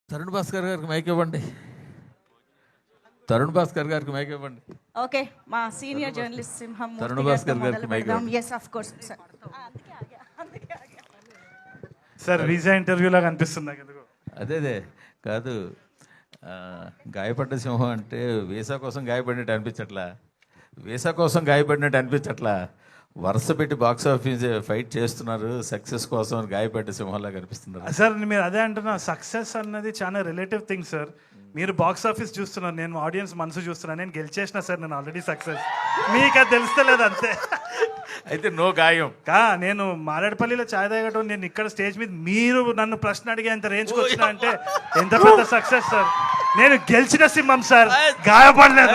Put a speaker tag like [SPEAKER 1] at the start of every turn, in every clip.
[SPEAKER 1] తరుణ్ భాస్కర్ గారికి మైక్ ఇవ్వండి. తరుణ్ భాస్కర్ గారికి మైక్ ఇవ్వండి.
[SPEAKER 2] ఓకే, మా సీనియర్ జర్నలిస్ట్ సింహం
[SPEAKER 1] తరుణ్ భాస్కర్ గారికి మైక్ ఇవ్వండి.
[SPEAKER 2] Yes of course sir.
[SPEAKER 3] Sir visa interview లాగా అనిపిస్తుంది నాకు ఎందుకు.
[SPEAKER 1] అదే కాదు, గాయపడ్డ సింహం అంటే వీసా కోసం గాయపడినట్టు అనిపించట్లా, వీసా కోసం గాయపడినట్టు అనిపించట్లా, వరుస పెట్టి బాక్స్ ఆఫీస్ ఫైట్ చేస్తున్నారు సక్సెస్ కోసం, గాయపడ్డ సింహంలా కనిపిస్తున్నారు.
[SPEAKER 3] సార్ మీరు అదే అంటున్నా, సక్సెస్ అన్నది చాలా రిలేటివ్ థింగ్ సార్. మీరు బాక్స్ ఆఫీస్ చూస్తున్నారు, నేను ఆడియన్స్ మనసు చూస్తున్నాను. నేను గెలిచేసిన సార్, నేను ఆల్రెడీ సక్సెస్. మీకు అది తెలుస్తలేదు అంతే.
[SPEAKER 1] అయితే నో గాయం.
[SPEAKER 3] నేను మారేడుపల్లిలో ఛాయ్ తాగటం, నేను ఇక్కడ స్టేజ్ మీద మీరు నన్ను ప్రశ్న అడిగేంత రేంజ్కి వచ్చిన అంటే ఎంత పెద్ద సక్సెస్ సార్. నేను గెలిచిన సింహం సార్, గాయపడలేదు.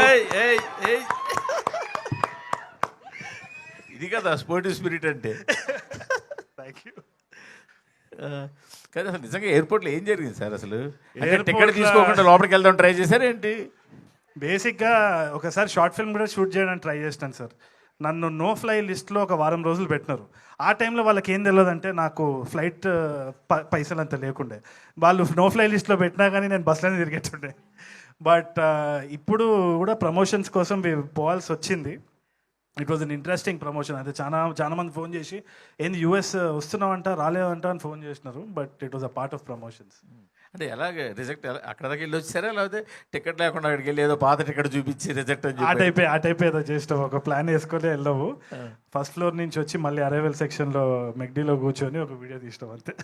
[SPEAKER 1] ఇది కదా స్పోర్టివ్ స్పిరిట్ అంటే.
[SPEAKER 3] Thank you.
[SPEAKER 1] కానీ అసలు నిజంగా ఎయిర్పోర్ట్లో ఏం జరిగింది సార్? అసలు
[SPEAKER 3] Airport
[SPEAKER 1] టికెట్ తీసుకోకుండా లోపలికి వెళ్దాం ట్రై చేశారు ఏంటి?
[SPEAKER 3] బేసిక్గా ఒకసారి షార్ట్ ఫిల్మ్ కూడా షూట్ చేయడానికి ట్రై చేస్తాను సార్. నన్ను నో ఫ్లై లిస్ట్లో ఒక వారం రోజులు పెట్టినారు. ఆ టైంలో వాళ్ళకి ఏం తెలియదంటే నాకు ఫ్లైట్ పైసలు అంత లేకుండే. వాళ్ళు నో ఫ్లై లిస్ట్లో పెట్టినా కానీ నేను బస్సులోనే తిరిగేటుండే. బట్ ఇప్పుడు కూడా ప్రమోషన్స్ కోసం పోవాల్సి వచ్చింది. It was an interesting promotion. అయితే చాలా మంది ఫోన్ చేసి ఏంది యూఎస్ వస్తున్నావంట రాలేదంట అని ఫోన్ చేసినారు. But it was a part of promotions.
[SPEAKER 1] అంటే ఎలాగ రిజెక్ట్, అక్కడ దాకా వెళ్ళి వచ్చారా లేకపోతే టికెట్ లేకుండా అక్కడికి వెళ్ళి ఏదో పాత టికెట్ చూపించి రిజెక్ట్ అని
[SPEAKER 3] ఆ టైప్ ఏదో చేస్తాం. ఒక ప్లాన్ వేసుకొని వెళ్ళవు. ఫస్ట్ ఫ్లోర్ నుంచి వచ్చి మళ్ళీ అరైవల్ సెక్షన్లో మెగ్డీలో కూర్చొని ఒక వీడియో తీస్తాం అంతే.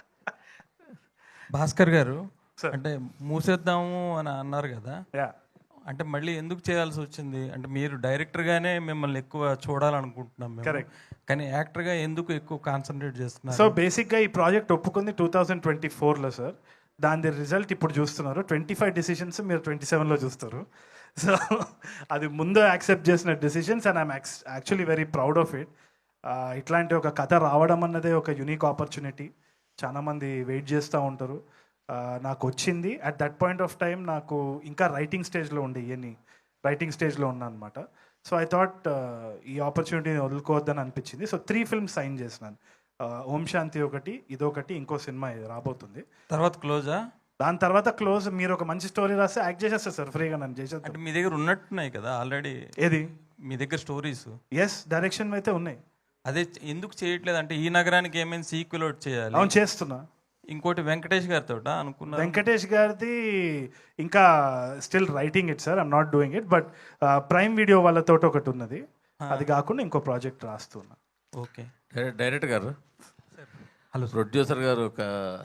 [SPEAKER 4] భాస్కర్ గారు,
[SPEAKER 3] Sir.
[SPEAKER 4] అంటే మూసేద్దాము అని అన్నారు కదా,
[SPEAKER 3] యా
[SPEAKER 4] అంటే మళ్ళీ ఎందుకు చేయాల్సి వచ్చింది? అంటే మీరు డైరెక్టర్గానే మిమ్మల్ని ఎక్కువ చూడాలనుకుంటున్నాం మేము.
[SPEAKER 3] Correct.
[SPEAKER 4] కానీ యాక్టర్గా ఎందుకు ఎక్కువ కాన్సన్ట్రేట్
[SPEAKER 3] సో
[SPEAKER 4] చేస్తున్నారు?
[SPEAKER 3] బేసిక్గా ఈ ప్రాజెక్ట్ ఒప్పుకుంది 2024లో సార్. దాని రిజల్ట్ ఇప్పుడు చూస్తున్నారు. 25 డెసిషన్స్ మీరు 27లో చూస్తారు. సో అది ముందు యాక్సెప్ట్ చేసిన decisions and I'm actually very proud of it. ఇట్లాంటి ఒక కథ రావడం అన్నదే ఒక యునిక్ ఆపర్చునిటీ. చాలామంది వెయిట్ చేస్తూ ఉంటారు. నాకు వచ్చింది at that point of time. నాకు ఇంకా రైటింగ్ స్టేజ్లో ఉండే రైటింగ్ స్టేజ్లో ఉన్నా అనమాట. సో ఐ థాట్ ఈ ఆపర్చునిటీని వదులుకోవద్దని అనిపించింది. సో 3 ఫిల్మ్స్ సైన్ చేసినాను. ఓం శాంతి ఒకటి, ఇదొకటి, ఇంకో సినిమా రాబోతుంది.
[SPEAKER 4] తర్వాత క్లోజా?
[SPEAKER 3] దాని తర్వాత క్లోజ్. మీరు ఒక మంచి స్టోరీ రాస్తే యాక్ట్ చేసేస్తారు సార్, ఫ్రీగా నన్ను చేసేస్తాను.
[SPEAKER 4] అంటే మీ దగ్గర ఉన్నట్టున్నాయి కదా ఆల్రెడీ,
[SPEAKER 3] ఏది?
[SPEAKER 4] మీ దగ్గర స్టోరీస్.
[SPEAKER 3] ఎస్, డైరెక్షన్ అయితే ఉన్నాయి.
[SPEAKER 4] అదే ఎందుకు చేయట్లేదు అంటే, ఈ నగరానికి ఏమైనా సీక్వెల్ ఒకటి చేయాలి.
[SPEAKER 3] అవును, చేస్తున్నా.
[SPEAKER 4] ఇంకోటి వెంకటేష్ గారితో అనుకున్నా.
[SPEAKER 3] వెంకటేష్ గారిది ఇంకా still writing it sir, I'm not doing it. But prime video వాళ్ళతో ఒకటి ఉన్నది. అది కాకుండా ఇంకో ప్రాజెక్ట్ రాస్తున్నా.
[SPEAKER 4] ఓకే.
[SPEAKER 1] డైరెక్టర్ గారు,
[SPEAKER 4] హలో.
[SPEAKER 1] ప్రొడ్యూసర్ గారు ఒక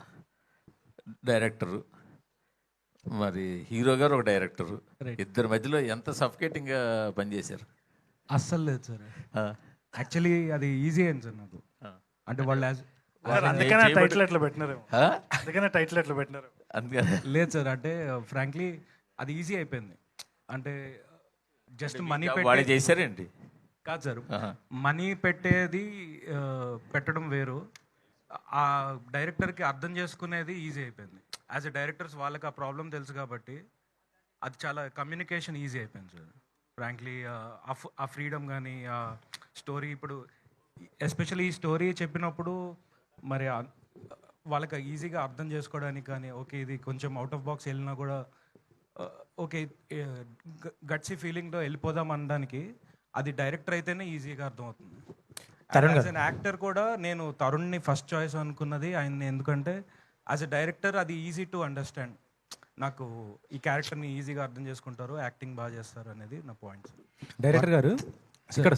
[SPEAKER 1] డైరెక్టరు, మరి హీరో గారు ఒక డైరెక్టరు, ఇద్దరి మధ్యలో ఎంత సఫికేటింగ్గా పనిచేశారు?
[SPEAKER 5] అస్సలు లేదు సార్. యాక్చువల్లీ అది ఈజీ అయింది సార్ నాకు. అంటే వాళ్ళు
[SPEAKER 3] అందుకనే టైటిల్ ఎట్లా పెట్టినారు, అందుకనే టైటిల్ ఎట్లా పెట్టినారు.
[SPEAKER 1] అందుకని
[SPEAKER 5] లేదు సార్. అంటే ఫ్రాంక్లీ అది ఈజీ అయిపోయింది. అంటే జస్ట్ మనీ
[SPEAKER 1] వాళ్ళు చేశారేంటి?
[SPEAKER 5] కాదు సార్, మనీ పెట్టేది పెట్టడం వేరు. ఆ డైరెక్టర్కి అర్థం చేసుకునేది ఈజీ అయిపోయింది. యాజ్ ఎ డైరెక్టర్స్ వాళ్ళకి ఆ ప్రాబ్లం తెలుసు కాబట్టి అది చాలా కమ్యూనికేషన్ ఈజీ అయిపోయింది సార్. ఫ్రాంక్లీ ఆ ఫ్రీడమ్ కానీ ఆ స్టోరీ, ఇప్పుడు ఎస్పెషల్లీ ఈ స్టోరీ చెప్పినప్పుడు మరి వాళ్ళకి ఈజీగా అర్థం చేసుకోవడానికి కానీ, ఓకే ఇది కొంచెం అవుట్ ఆఫ్ బాక్స్ వెళ్ళినా కూడా ఓకే గట్సీ ఫీలింగ్లో వెళ్ళిపోదాం అనడానికి అది డైరెక్టర్ అయితేనే ఈజీగా అర్థమవుతుంది. యాజ్ అన్ యాక్టర్ కూడా నేను తరుణ్ని ఫస్ట్ చాయిస్ అనుకున్నది ఆయన్ని, ఎందుకంటే యాజ్ ఎ డైరెక్టర్ అది ఈజీ టు అండర్స్టాండ్. నాకు ఈ క్యారెక్టర్ని ఈజీగా అర్థం చేసుకుంటారు, యాక్టింగ్ బాగా చేస్తారు అనేది నా పాయింట్.
[SPEAKER 6] డైరెక్టర్ గారు ఇక్కడ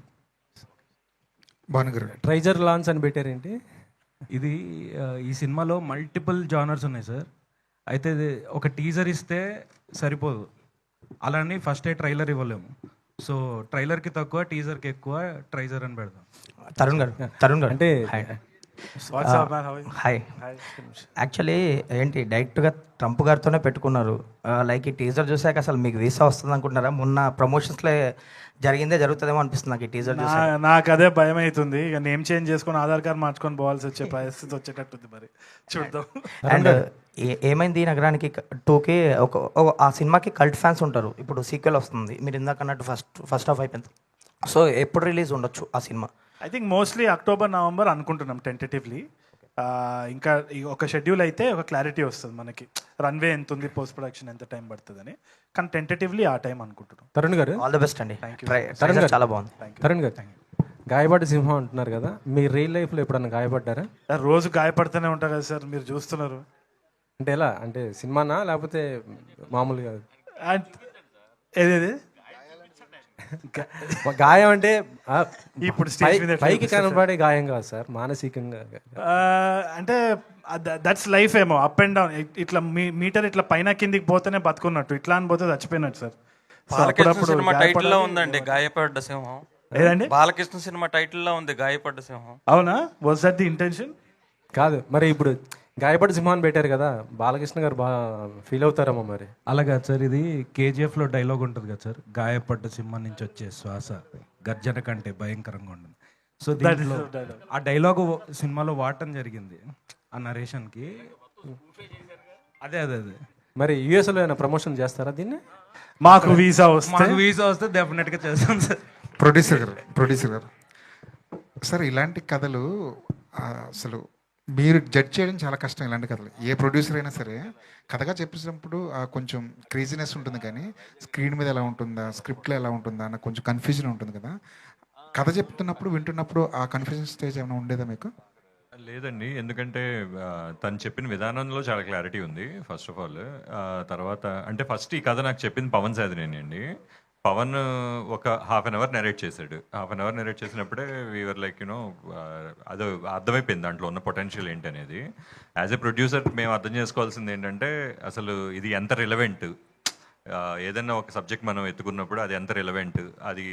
[SPEAKER 6] భానుగారు ట్రైజర్ లాంచ్ అని పెట్టారేంటి?
[SPEAKER 5] ఇది ఈ సినిమాలో మల్టిపుల్ జానర్స్ ఉన్నాయి సార్. అయితే ఒక టీజర్ ఇస్తే సరిపోదు, అలానే ఫస్ట్ ట్రైలర్ ఇవ్వలేము. సో ట్రైలర్కి తక్కువ, టీజర్కి ఎక్కువ, ట్రైజర్ అని పెడదాం.
[SPEAKER 6] తరుణ్ గారు
[SPEAKER 7] అంటే హాయ్.
[SPEAKER 3] Hi.
[SPEAKER 7] యాక్చువల్లీ ఏంటి డైరెక్ట్గా ట్రంప్ గారితోనే పెట్టుకున్నారు. లైక్ ఈ టీజర్ చూసాక అసలు మీకు వీసా వస్తుంది అనుకుంటున్నారా? మొన్న ప్రమోషన్స్లో జరుగుతుందేమో అనిపిస్తుంది నాకు ఈ టీజర్ చూసి.
[SPEAKER 3] నాకు అదే భయం అవుతుంది. ఇక నేమ్ చేంజ్ చేసుకొని ఆధార్ కార్డ్ మార్చుకొని పోవాల్సి వచ్చే పరిస్థితి వచ్చేటట్టుంది. మరి చూద్దాం.
[SPEAKER 7] అండ్ ఏమైంది ఈ నగరానికి 2కి ఆ సినిమాకి కల్ట్ ఫ్యాన్స్ ఉంటారు. ఇప్పుడు సీక్వెల్ వస్తుంది, మీరు ఇందాక అన్నట్టు ఫస్ట్ హాఫ్ అయిపోయింది. సో ఎప్పుడు రిలీజ్ ఉండొచ్చు ఆ సినిమా?
[SPEAKER 3] I think mostly October, November అనుకుంటున్నాం టెంటేటివ్లీ. ఇంకా ఒక షెడ్యూల్ అయితే ఒక క్లారిటీ వస్తుంది మనకి, రన్వే ఎంత ఉంది, పోస్ట్ ప్రొడక్షన్ ఎంత టైం పడుతుందని. కానీ టెంటేటివ్లీ ఆ టైం అనుకుంటున్నాం.
[SPEAKER 6] తరుణ్ గారు
[SPEAKER 7] ఆల్ ద బెస్ట్ అండి.
[SPEAKER 3] Thank you.
[SPEAKER 7] ట్రైజర్ చాలా బాగుంది.
[SPEAKER 6] తరుణ్ గారు గాయపడ్డ సింహం అంటున్నారు కదా, మీ రియల్ లైఫ్లో ఎప్పుడన్నా గాయపడ్డారా?
[SPEAKER 3] రోజు గాయపడుతూనే ఉంటా కదా సార్, మీరు చూస్తున్నారు.
[SPEAKER 6] అంటే ఎలా, అంటే సినిమానా లేకపోతే మామూలుగా?
[SPEAKER 3] And ఏదేది
[SPEAKER 6] గాయం అంటే
[SPEAKER 3] ఇప్పుడు స్టేజ్ మీద ఎట్లా
[SPEAKER 6] పైకి కనబడే గాయం కాదు సార్, మానసికంగా.
[SPEAKER 3] అంటే దట్స్ లైఫ్ ఏమో, అప్ అండ్ డౌన్. ఇట్లా మీటర్ ఇట్లా పైన కిందికి పోతేనే బతుకున్నట్టు, ఇట్లా అని పోతే చచ్చిపోయినట్టు సార్. So
[SPEAKER 4] బాలకృష్ణ సినిమా టైటిల్ లో
[SPEAKER 3] గాయపడాలి.
[SPEAKER 4] ఉందండి గాయపడ్డ సింహం.
[SPEAKER 3] ఏదండి?
[SPEAKER 4] బాలకృష్ణ సినిమా టైటిల్ లో ఉంది గాయపడ్డ సింహం.
[SPEAKER 3] అవునా? Was that the intention?
[SPEAKER 6] కాదు మరి, ఇప్పుడు గాయపడ్డ సింహాన్ని పెట్టారు కదా, బాలకృష్ణ గారు బాగా ఫీల్ అవుతారేమో మరి.
[SPEAKER 5] అలాగా సార్, ఇది కేజీఎఫ్లో డైలాగ్ ఉంటుంది కదా సార్, గాయపడ్డ సింహం నుంచి వచ్చే శ్వాస గర్జన కంటే భయంకరంగా ఉంటుంది. సో దీంట్లో ఆ డైలాగు సినిమాలో వాడటం జరిగింది ఆ నరేషన్కి. అదే అదే అదే
[SPEAKER 6] మరి యూఎస్లో ఏమైనా ప్రమోషన్ చేస్తారా దీన్ని?
[SPEAKER 3] మాకు వీసా వస్తే
[SPEAKER 5] మాకు వీసా వస్తే డెఫినెట్గా చేస్తాం సార్.
[SPEAKER 8] ప్రొడ్యూసర్ గారు సార్, ఇలాంటి కథలు అసలు మీరు జడ్జ్ చేయడం చాలా కష్టం. ఇలాంటి కథలు ఏ ప్రొడ్యూసర్ అయినా సరే కథగా చెప్పేటప్పుడు కొంచెం క్రేజీనెస్ ఉంటుంది, కానీ స్క్రీన్ మీద ఎలా ఉంటుందా, స్క్రిప్ట్లో ఎలా ఉంటుందా అన్న కొంచెం కన్ఫ్యూజన్ ఉంటుంది కదా. కథ చెప్తున్నప్పుడు వింటున్నప్పుడు ఆ కన్ఫ్యూజన్ స్టేజ్ ఏమైనా ఉండేదా మీకు?
[SPEAKER 9] లేదండి, ఎందుకంటే తను చెప్పిన విధానంలో చాలా క్లారిటీ ఉంది ఫస్ట్ ఆఫ్ ఆల్. తర్వాత అంటే ఫస్ట్ ఈ కథ నాకు చెప్పింది పవన్ సాధినేని అండి. పవన్ ఒక హాఫ్ అన్ అవర్ నెరేట్ చేశాడు. హాఫ్ అన్ అవర్ నెరేట్ చేసినప్పుడే వీఆర్ లైక్ యూనో అదో అర్థమైపోయింది దాంట్లో ఉన్న పొటెన్షియల్ ఏంటి అనేది. యాజ్ ఎ ప్రొడ్యూసర్ మేము అర్థం చేసుకోవాల్సింది ఏంటంటే అసలు ఇది ఎంత రిలవెంట్, ఏదైనా ఒక సబ్జెక్ట్ మనం ఎత్తుకున్నప్పుడు అది ఎంత రిలవెంట్, అది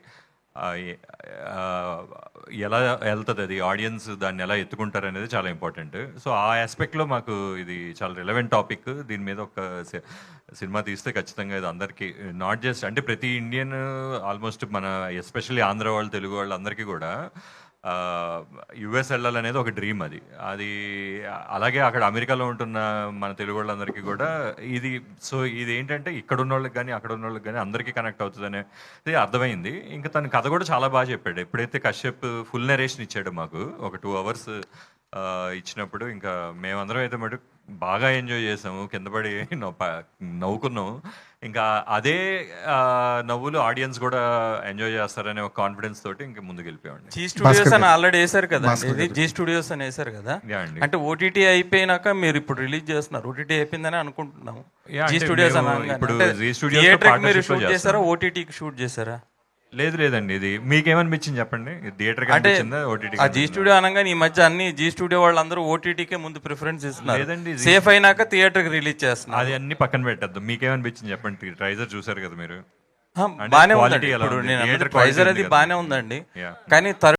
[SPEAKER 9] ఎలా వెళ్తుంది, అది ఆడియన్స్ దాన్ని ఎలా ఎత్తుకుంటారు అనేది చాలా ఇంపార్టెంట్. సో ఆ ఆస్పెక్ట్లో మాకు ఇది చాలా రిలవెంట్ టాపిక్. దీని మీద ఒక సినిమా తీస్తే ఖచ్చితంగా ఇది అందరికీ, నాట్ జస్ట్ అంటే ప్రతి ఇండియన్, ఆల్మోస్ట్ మన ఎస్పెషల్లీ ఆంధ్ర వాళ్ళు, తెలుగు వాళ్ళు అందరికీ కూడా యుఎస్ వెళ్ళాలనేది ఒక డ్రీమ్. అది అలాగే అక్కడ అమెరికాలో ఉంటున్న మన తెలుగు వాళ్ళందరికీ కూడా ఇది. సో ఇది ఏంటంటే ఇక్కడ ఉన్న వాళ్ళకి కానీ అక్కడ ఉన్న వాళ్ళకి కానీ అందరికీ కనెక్ట్ అవుతుంది అనేది అర్థమైంది. ఇంకా తన కథ కూడా చాలా బాగా చెప్పాడు. ఎప్పుడైతే కశ్యప్ ఫుల్ నెరేషన్ ఇచ్చాడు మాకు ఒక 2 hours ఇచ్చినప్పుడు, ఇంకా మేమందరం అయితే మటు బాగా ఎంజాయ్ చేసాము, కింద పడి నవ్వుకున్నాము. ఇంకా అదే నవ్వులు ఆడియన్స్ కూడా ఎంజాయ్ చేస్తారనే ఒక కాన్ఫిడెన్స్ తోటి ఇంకా ముందుకు వెళ్ళిపోయామండి.
[SPEAKER 4] జీ స్టూడియోస్ అని ఆల్రెడీ వేశారు కదా, ఇది జీ స్టూడియోస్ అని వేశారు కదా. అంటే ఓటీటీ అయిపోయినాక మీరు ఇప్పుడు రిలీజ్ చేస్తున్నారు, ఓటీటీ అయిపోయిందని అనుకుంటున్నాము. జీ స్టూడియోస్
[SPEAKER 9] ఇప్పుడు
[SPEAKER 4] థియేటర్ మీరు షూట్ చేశారా, ఓటీటీకి షూట్ చేశారా?
[SPEAKER 9] లేదండి, ఇది మీకేమనిపించింది చెప్పండి, థియేటర్
[SPEAKER 4] అంటే
[SPEAKER 9] కనిపించిందా ఓటీటీ?
[SPEAKER 4] ఆ జీ స్టూడియో అనగానే ఈ మధ్య అన్ని జీ స్టూడియో వాళ్ళందరూ ఓటీటీకే ముందు ప్రిఫరెన్స్ ఇస్తున్నారు.
[SPEAKER 9] లేదండి,
[SPEAKER 4] సేఫ్ అయినాక థియేటర్ కి రిలీజ్ చేస్తున్నారు.
[SPEAKER 9] అది అన్ని పక్కన పెట్టద్దు. మీకేమనిపించింది చెప్పండి, ట్రైజర్ చూసారు కదా మీరు.
[SPEAKER 4] బానే
[SPEAKER 9] quality
[SPEAKER 4] ఉందండి.
[SPEAKER 9] ఎలా
[SPEAKER 4] ఇప్పుడు
[SPEAKER 9] ఉంది?
[SPEAKER 4] నేను
[SPEAKER 9] Theatre
[SPEAKER 4] ప్రైజర్
[SPEAKER 9] quality
[SPEAKER 4] అది
[SPEAKER 9] ఉంది
[SPEAKER 4] బానే
[SPEAKER 9] కదా.
[SPEAKER 4] ఉందండి,
[SPEAKER 9] Yeah.
[SPEAKER 4] కానీ